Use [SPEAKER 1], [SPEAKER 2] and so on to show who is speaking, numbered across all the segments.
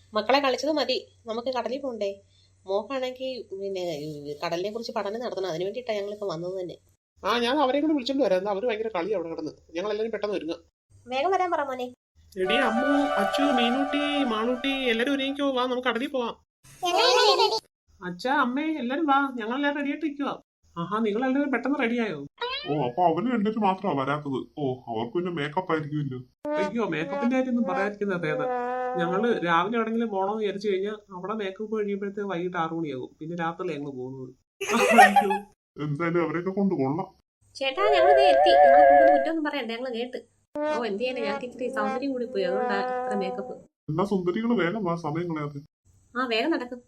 [SPEAKER 1] മക്കളെ കളിച്ചത് മതി, നമുക്ക് കടലിൽ പോണ്ടേ. മോക്കാണെങ്കിൽ പിന്നെ കടലിനെ കുറിച്ച് പഠനം നടത്തണം. അതിന് വേണ്ടിയിട്ടാണ് ഞങ്ങളിപ്പോൾ വന്നത് തന്നെ.
[SPEAKER 2] ഞാൻ അവരെ കൂടെ വിളിച്ചോണ്ട് വരാം. അവര് ഭയങ്കര കളി അവിടെ കിടന്ന്. ഞങ്ങൾ എല്ലാവരും പെട്ടെന്ന് ഒരുങ്ങ.
[SPEAKER 1] വേഗം വരാൻ പറ മോനെ.
[SPEAKER 2] എടി അമ്മു, അച്ചു, മീനൂട്ടി, മാളൂട്ടി എല്ലാരും ഒരുങ്ങിക്കോ. വാ, നമുക്ക് കടലിൽ പോവാം. അച്ഛാ, അമ്മേ എല്ലാരും വാ, ഞങ്ങളെല്ലാരും റെഡി ആയിട്ട് ഇരിക്കുക. ആഹാ, നിങ്ങൾ എല്ലാവരും പെട്ടെന്ന് റെഡിയായോ?
[SPEAKER 3] അപ്പൊ അവര് രണ്ടിട്ട് മാത്രമാ വരാത്തത്. അവർക്ക് പിന്നെ മേക്കപ്പ് ആയിരിക്കുമല്ലോ.
[SPEAKER 2] അയ്യോ, മേക്കപ്പിന്റെ കാര്യമൊന്നും പറയാതിരിക്കുന്ന ഭേദം. ഞങ്ങള് രാവിലെ എവിടെങ്കിലും പോകണമെന്ന് വിചാരിച്ചു കഴിഞ്ഞാൽ അവിടെ മേക്കപ്പ് കഴിയുമ്പോഴത്തേക്ക് വൈകിട്ട് 6 മണിയാകും. പിന്നെ രാത്രി ഞങ്ങൾ പോകുന്നത്. അയ്യോ,
[SPEAKER 3] എന്തായാലും അവരെയൊക്കെ കൊണ്ട് കൊള്ളാം.
[SPEAKER 1] ചേട്ടാ, ഞങ്ങൾ എത്തി. ഞങ്ങൾ കൂടുതൽ കുറ്റമൊന്നും പറയണ്ട, ഞങ്ങൾ കേട്ട്. എന്ത് ചെയ്യാനാ, ഞങ്ങൾക്ക് ഇത്തിരി സൗന്ദര്യം കൂടി പോയി, അതുകൊണ്ടാ ഇത്ര മേക്കപ്പ്.
[SPEAKER 3] എന്നാ സുന്ദരികള് വേഗം വാ, സമയം കളയാതെ.
[SPEAKER 1] വേഗം നടക്കും.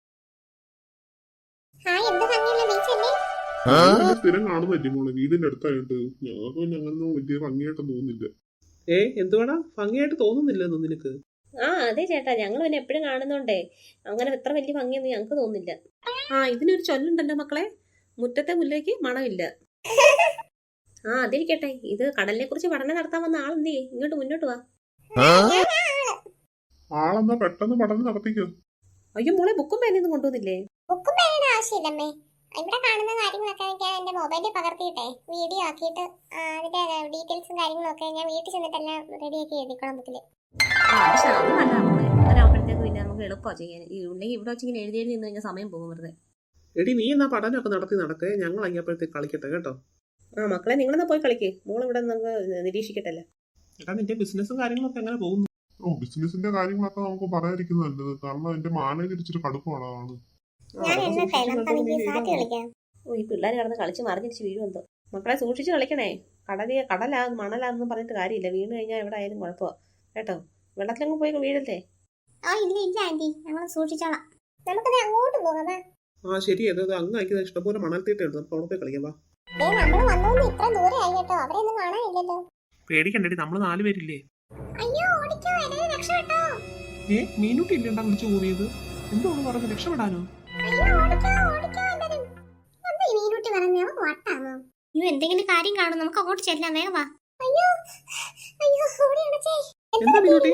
[SPEAKER 3] സ്ഥിരം കാണുന്നല്ലേ മോളെ, വീടിന്റെ അടുത്തായിട്ട്. ഞങ്ങൾക്ക് പിന്നെ അങ്ങനെ വലിയ ഭംഗിയായിട്ട് തോന്നുന്നില്ല.
[SPEAKER 2] എന്തുവാടാ ഭംഗിയായിട്ട് തോന്നുന്നില്ലെന്ന് നിനക്ക്?
[SPEAKER 1] അതെ ചേട്ടാ, ഞങ്ങൾ പിന്നെ എപ്പോഴും കാണുന്നോണ്ടേ അങ്ങനെ ഇത്ര വലിയ ഭംഗിയൊന്നും ഞങ്ങൾക്ക് തോന്നുന്നില്ല. ഇതിനൊരു ചൊല്ലുണ്ടല്ലോ മക്കളെ, മുറ്റത്തെ മുല്ലേക്ക് മണമില്ല. അതിരിക്കട്ടെ, ഇത് കടലിനെ കുറിച്ച് പഠനം നടത്താൻ വന്ന ആളെന്തേ, ഇങ്ങോട്ട് മുന്നോട്ട് വാ.
[SPEAKER 3] ആളെന്നാ പെട്ടെന്ന് പഠനം നടത്തിക്കോ.
[SPEAKER 1] അയ്യോ മോളെ, ബുക്കും പേനൊന്നും കൊണ്ടുവന്നില്ലേ?
[SPEAKER 4] ബുക്കും പേനയുടെ ആവശ്യമില്ലമ്മേ. ഇവിടെ കാണുന്ന കാര്യങ്ങളൊക്കെ ഞാൻ എന്റെ മൊബൈലിൽ പകർത്തിയിട്ടെ വീഡിയോ ആക്കിയിട്ട് അതിന്റെ ഡീറ്റെയിൽസും കാര്യങ്ങളൊക്കെ ഞാൻ വീട്ടിൽ ചെന്നിട്ടെല്ലാം റെഡിയാക്കി എഴുതിക്കണം ബുക്കില്.
[SPEAKER 1] അങ്ങനെയാകുമ്പോഴത്തേക്ക് പിന്നെ നമുക്ക് എളുപ്പമാണ് ചെയ്യാൻ. ഇല്ലെങ്കിൽ ഇവിടെ വെച്ച് ഇങ്ങനെ എഴുതി നിന്ന് കഴിഞ്ഞാൽ സമയം പോകും വെറുതെ.
[SPEAKER 2] എടി, നീ എന്നാ പഠനമൊക്കെ നടത്തി നടക്കേ, ഞങ്ങൾ അയ്യപ്പോഴത്തേക്ക് കളിക്കട്ടെ കേട്ടോ.
[SPEAKER 1] മക്കളെ, നിങ്ങളെന്നാ പോയി കളിക്ക്. മോൾ ഇവിടെ നമുക്ക് നിരീക്ഷിക്കട്ടല്ലേ.
[SPEAKER 2] എടാ, നിന്റെ ബിസിനസ്സും കാര്യങ്ങളൊക്കെ എങ്ങനെ പോകുന്നു?
[SPEAKER 3] ബിസിനസിന്റെ കാര്യങ്ങളൊക്കെ നമുക്ക് പറയാതിരിക്കുന്നത് നല്ലത്. കാരണം എന്റെ മാനേജർ ഇച്ചിരി കടുപ്പമാണ് ആള്.
[SPEAKER 1] ഈ പിള്ളേർ കിടന്ന് കളിച്ച് മറിഞ്ഞിരിച്ച് വീഴുമെന്തോ. മക്കളെ സൂക്ഷിച്ച് കളിക്കണേ. കടലാ മണലാന്നും പറഞ്ഞിട്ട് കാര്യമില്ല. വീണ് കഴിഞ്ഞാൽ എവിടെ ആയാലും കുഴപ്പമാണ് കേട്ടോ. വെള്ളത്തിലങ്ങ് പോയി വീഴല്ലേ.
[SPEAKER 4] ഇല്ല ആന്റി, ഞങ്ങൾ സൂക്ഷിച്ചോളാം. നമുക്കത് അങ്ങോട്ട് പോകാം.
[SPEAKER 2] ശരി, അത് അങ്ങ് ഇഷ്ടംപോലെ മണൽത്തീട്ടുണ്ട്. നമുക്ക് അവിടെ പോയി കളിക്കാം. വാ,
[SPEAKER 4] നമ്മള് വന്നോന്ന് ഇത്ര ദൂരെ ആയി കേട്ടോ, അവരെയൊന്നും കാണാനില്ലല്ലോ.
[SPEAKER 2] പേടിക്കണ്ടേ, നമ്മള് 4 പേരില്ലേ?
[SPEAKER 4] അയ്യോ, ഓടിക്കോ, എല്ലാവരും രക്ഷപ്പെട്ടോ.
[SPEAKER 2] മീനൂട്ടി ഇല്ലണ്ടാ വിളിച്ചു കൂടിയത്. എന്തോന്ന് പറഞ്ഞ് രക്ഷപ്പെടാനോ?
[SPEAKER 4] അയ്യോ, ഓടിക്കോ ഓടിക്കോ എല്ലാവരും. എന്താ ഈ മീനൂട്ടി പറയുന്നേ, അവൻ വട്ടാണോ? അയ്യോ, എന്തെങ്കിലും കാര്യം കാണും, നമുക്ക് അങ്ങോട്ട് ചെല്ലാം, വേഗം വാ. അയ്യോ അയ്യോ, ഓടി അടച്ചേ.
[SPEAKER 2] എന്താ മീനൂട്ടി?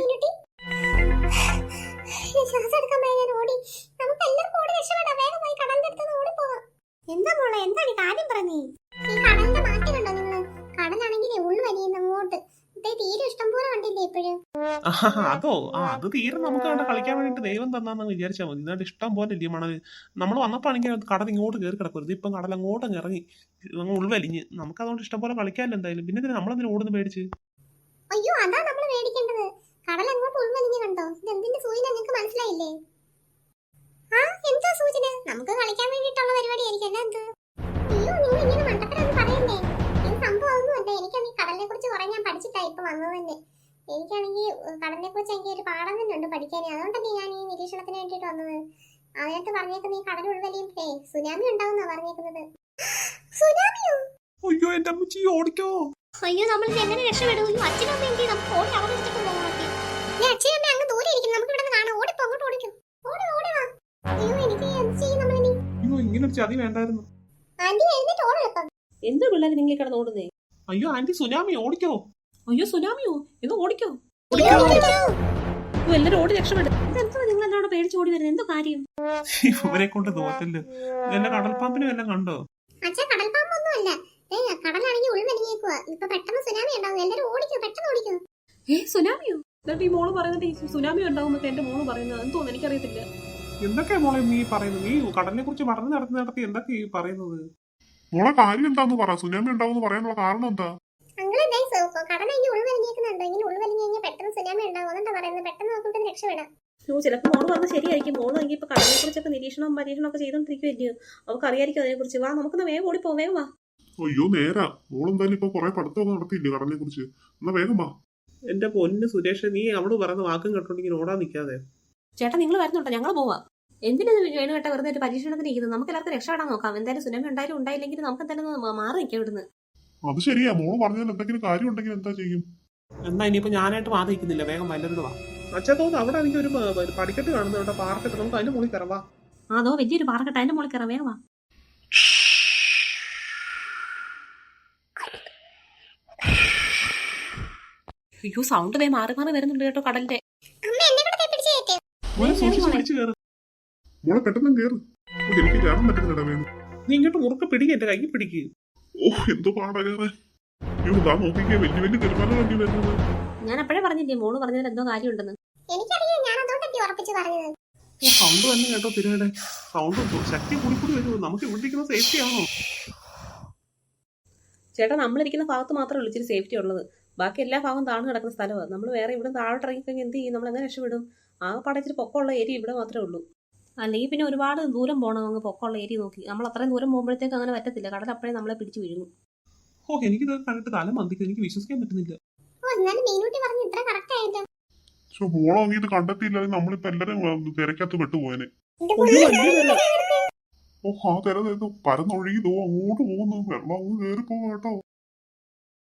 [SPEAKER 4] ശ്വാസം എടുക്കാൻ പോയാ ഞാൻ ഓടി. നമുക്ക് എല്ലാവർക്കും ഓടി രക്ഷപ്പെടാം, വേഗം പോയി കടലിന്റെ അടുത്ത് ഓടിപ്പോവാം. എന്താ മോളെ, എന്താണ് കാര്യം പറഞ്ഞേ? ഈ കടലിന്റെ മാറ്റം കണ്ടോ നിങ്ങള്? കടലാണെങ്കിലേ ഉള്ളു വലിയുന്ന അങ്ങോട്ട്. തീരെ ഇഷ്ടം പോലെ കണ്ടില്ലേ ഇപ്പോഴും?
[SPEAKER 2] അതോ, അത് തീരെ നമുക്ക് അവിടെ കളിക്കാൻ വേണ്ടിട്ട് ദൈവം തന്നാന്ന് വിചാരിച്ചാൽ മതി. ഇതായിട്ട് ഇഷ്ടം പോലെ ഇല്ലേ മണൽ. നമ്മൾ വന്നപ്പോ ആണെങ്കിൽ കടൽ ഇങ്ങോട്ട് കയറി കിടക്കരുത്. ഇപ്പം കടൽ അങ്ങോട്ടും ഇറങ്ങി ഉൾവലിഞ്ഞ് നമുക്ക് അതുകൊണ്ട് ഇഷ്ടം പോലെ കളിക്കാമല്ലോ എന്തായാലും. പിന്നെ നമ്മളെന്തിനും ഓടുന്ന് പേടിച്ച്?
[SPEAKER 4] അയ്യോ, അതാ നമ്മൾ പേടിക്കേണ്ടത്. കടൽ അങ്ങോട്ട് ഉൾവലിഞ്ഞ് കണ്ടോ? ഇത് എന്തിന്റെ സൂചന നിങ്ങൾക്ക് മനസ്സിലായില്ലേ? എന്താ സൂചന? നമുക്ക് കളിക്കാൻ വേണ്ടിയിട്ടുള്ള പരിപാടിയായിരിക്കും. അല്ല എന്ത്? അയ്യോ, നിങ്ങൾ ഇങ്ങനെ മണ്ടത്തരം പറയണ്ടേ. ഇത് സംഭവമൊന്നുമല്ല. എനിക്കാണെങ്കിൽ കടലിനെ കുറിച്ച് കുറെ ഞാൻ പഠിച്ചിട്ടാ ഇപ്പൊ വന്നത് തന്നെ. എനിക്കാണെങ്കിൽ കടലിനെ കുറിച്ച് എനിക്ക് ഒരു പാഠം തന്നെ ഉണ്ട് പഠിക്കാൻ. അതുകൊണ്ടല്ലേ ഞാൻ ഈ നിരീക്ഷണത്തിന് വേണ്ടിട്ട് വന്നത്. അതിനകത്ത് പറഞ്ഞേക്കുന്നത് ഈ കടൽ ഉൾവലിയുമ്പേ സുനാമി ഉണ്ടാവുന്നാ പറഞ്ഞേക്കുന്നത്. സുനാമിയോ?
[SPEAKER 2] അയ്യോ, എന്റെ അമ്മച്ചി ഓടിക്കോ.
[SPEAKER 4] അയ്യോ, നമ്മൾ എങ്ങനെ രക്ഷപ്പെടും? അച്ഛനും അമ്മ എന്ത്? നമുക്ക് ഓടി അവിടെ വെച്ചിട്ട് പോകാം. അച്ഛനും അമ്മ അങ്ങ് ദൂരെ ഇരിക്കും, നമുക്ക് ഇവിടെ കാണാം. ഓടിപ്പോ, അങ്ങോട്ട് ഓടിക്കും. ഓടി വാ. അയ്യോ, എനിക്ക് എന്ത് ചെയ്യും നമ്മളിനി?
[SPEAKER 2] അയ്യോ, ഇങ്ങനെ ഒരു ചതി വേണ്ടായിരുന്നു.
[SPEAKER 4] ആന്റി എഴുന്നേറ്റ് ഓടെളുപ്പം.
[SPEAKER 1] എന്താ പിള്ളേർ നിങ്ങൾ കിടന്ന് ഓടുന്നേ?
[SPEAKER 2] അയ്യോ ആന്റി, സുനാമി, ഓടിക്കോ.
[SPEAKER 1] അയ്യോ, സുനാമിയോ? എന്ന് ഓടിക്കോ. എല്ലാരും ഓടി രക്ഷപ്പെടും. ഇതെന്താ നിങ്ങൾ എന്നോട് പേടിച്ച് ഓടി വരുന്നത്? എന്തോ കാര്യം?
[SPEAKER 2] ഇവരെ കൊണ്ട് തോറ്റല്ലോ. എന്റെ കടൽപ്പാമ്പിനും എല്ലാം കണ്ടോ?
[SPEAKER 4] അച്ഛാ, കടൽപ്പാമ്പൊന്നുമല്ല. കടലാണെങ്കിൽ ഉൾവലിഞ്ഞേക്കുവാ. ഇപ്പൊ പെട്ടെന്ന് സുനാമി ഉണ്ടാവും. എല്ലാരും ഓടിക്കോ, പെട്ടെന്ന് ഓടിക്കോ.
[SPEAKER 1] സുനാമിയോ? എന്നിട്ട് ഈ മോള് പറയുന്നത് ഈ സുനാമി ഉണ്ടാവുന്നൊക്കെ എന്റെ മോള് പറയുന്നത്. എന്തോന്ന് എനിക്കറിയത്തില്ല.
[SPEAKER 2] എന്തൊക്കെയാ മോളെ നീ പറയുന്നത്? നീ കടലിനെ കുറിച്ച് പഠനം നടത്തി എന്തൊക്കെയാ ഈ പറയുന്നത്?
[SPEAKER 3] മോളെ കാര്യം എന്താന്ന് പറ. സുനാമി ഉണ്ടാവും പറയാനുള്ള കാരണം എന്താ?
[SPEAKER 4] കടലാണെങ്കിൽ ഉൾവലിഞ്ഞേക്കുന്നുണ്ടോ? ഇങ്ങനെ ഉൾവലിഞ്ഞ് കഴിഞ്ഞാൽ പെട്ടെന്ന് സുനാമി ഉണ്ടാവും. അതെന്താ പറയുന്നത്? പെട്ടെന്ന് നോക്കിട്ട് രക്ഷപ്പെടാം.
[SPEAKER 1] ചിലപ്പോൾ മോള് പറഞ്ഞത് ശരിയായിരിക്കും. മോള് എങ്കിൽ ഇപ്പൊ കടലിനെ കുറിച്ചൊക്കെ നിരീക്ഷണവും പരീക്ഷണവും ഒക്കെ ചെയ്തോണ്ടിരിക്കുവല്ലയോ. അവർക്ക് അറിയായിരിക്കും അതിനെ കുറിച്ച്. വാ, നമുക്കൊന്ന് വേഗം ഓടിപ്പോ, വേഗം വാ.
[SPEAKER 3] അയ്യോ, നേരാ. മോളെന്തായാലും ഇപ്പൊ കുറെ പഠിത്തമൊക്കെ നടത്തിയില്ലേ കടലിനെ കുറിച്ച്. എന്നാ വേഗം വാ.
[SPEAKER 2] എന്റെ പൊന്ന് സുരേഷ്, നീ അവള് പറയുന്ന വാക്കും കേട്ടോണ്ടെങ്കിൽ ഓടാൻ നിൽക്കാതെ.
[SPEAKER 1] ചേട്ടാ, നിങ്ങൾ വരുന്നുണ്ടോ? ഞങ്ങൾ പോവാം. എന്തിനാ വേണുകേട്ട വെറുതെ ഒരു പരീക്ഷണത്തിന് ഇരിക്കുന്നത്? നമുക്ക് എല്ലാവർക്കും രക്ഷപ്പെടാൻ നോക്കാം. എന്തായാലും സുനാമി ഉണ്ടായാലും ഉണ്ടായില്ലെങ്കിൽ നമുക്ക് എന്തായാലും മാറി നിൽക്കാം ഇവിടുന്ന്.
[SPEAKER 3] അത് ശരിയാ. മോള് പറഞ്ഞാൽ എന്തെങ്കിലും കാര്യം ഉണ്ടെങ്കിൽ എന്താ ചെയ്യും?
[SPEAKER 2] എന്നാ ഇനിയിപ്പോ ഞാനായിട്ട് വാദിക്കുന്നില്ല, വേഗം വല്ലവരോട് വാ. അച്ഛാ, തോന്നുന്നു അവിടെ എനിക്ക് ഒരു പടിക്കെട്ട് കാണുന്നു കേട്ടോ, പാർക്കെട്ട്. നമുക്ക് അതിന്റെ മുകളിൽ കയറാം. വാ.
[SPEAKER 1] അതോ വലിയൊരു പാറക്കെട്ട്, അതിന്റെ മുകളിൽ കയറാം, വേഗം വാ. അയ്യോ, സൗണ്ട് മാറി മാറി വരുന്നുണ്ട് കേട്ടോ കടലിന്റെ.
[SPEAKER 2] മോനെ
[SPEAKER 1] കേറ്
[SPEAKER 2] സൂക്ഷിച്ച്
[SPEAKER 1] മോളെ.
[SPEAKER 2] പിടിച്ച് കയറ്.
[SPEAKER 3] മോളെ പെട്ടെന്ന് കേറ്. ഓ, എനിക്ക് കയറാൻ പറ്റുന്നില്ല വേണം.
[SPEAKER 2] നീ ഇങ്ങോട്ട് മുറുക്കെ പിടിക്കുക, എന്റെ കൈ പിടിക്കുക.
[SPEAKER 3] ഓ, എന്തോ പാടാ കയറാൻ. അയ്യോ, ഇതാ നോക്കിക്കേ, വലിയ വലിയ തിരുമല തന്നെ വരുന്നത്.
[SPEAKER 1] ഞാൻ അപ്പോഴേ പറഞ്ഞില്ലേ മോള് പറഞ്ഞതിൽ എന്തോ കാര്യമുണ്ടെന്ന്.
[SPEAKER 4] എനിക്കറിയാം, ഞാൻ അതുകൊണ്ടല്ലേ ഉറപ്പിച്ച് പറഞ്ഞത്.
[SPEAKER 2] സൗണ്ട് തന്നെ കേട്ടോ തിരയുടെ സൗണ്ട് ശക്തി കൂടി വരുമോ? നമുക്ക് ഇവിടെ ഇരിക്കുന്ന സേഫ്റ്റി ആണോ?
[SPEAKER 1] ചേട്ടാ നമ്മളിരിക്കുന്ന ഭാഗത്ത് മാത്രമേ ഉള്ളൂ ഇച്ചിരി സേഫ്റ്റി ഉള്ളത്. ബാക്കി എല്ലാ ഭാഗവും താഴ്ന്നു കിടക്കുന്ന സ്ഥലമാണ്. നമ്മൾ വേറെ ഇവിടെ താഴോട്ട് ഇറങ്ങിക്കഴിഞ്ഞാൽ എന്ത് ചെയ്യും? നമ്മൾ എങ്ങനെ രക്ഷപ്പെടും? ആ പാടെ ഇച്ചിരി പൊക്കമുള്ള ഏരിയ ഇവിടെ മാത്രമേ ഉള്ളൂ. അല്ലെങ്കിൽ പിന്നെ ഒരുപാട് ദൂരം പോകണം അങ്ങ് പൊക്കമുള്ള ഏരിയ നോക്കി. നമ്മൾ അത്രയും ദൂരം പോകുമ്പോഴത്തേക്ക് അങ്ങനെ പറ്റത്തില്ല. കടൽ അപ്പോഴേ നമ്മളെ പിടിച്ചു വീഴും.
[SPEAKER 2] ഓ, എനിക്കിത് കണ്ടിട്ട് തല മന്ദിക്കും. എനിക്ക് വിശ്വസിക്കാൻ പറ്റുന്നില്ല.
[SPEAKER 4] ഓ, എന്നാലും മീനൂട്ടി പറഞ്ഞ് ഇത്ര കറക്റ്റ് ആയിട്ട്.
[SPEAKER 3] പക്ഷെ മോളെ അങ്ങ് ഇത് കണ്ടെത്തിയില്ലെങ്കിൽ നമ്മളിപ്പോ എല്ലാരും തിരക്കകത്ത് പെട്ടുപോയനെ. ഓ, ആ തിര പരന്നൊഴുകി അങ്ങോട്ട് പോകുന്നു. വെള്ളം അങ്ങ് കയറി പോവാ കേട്ടോ.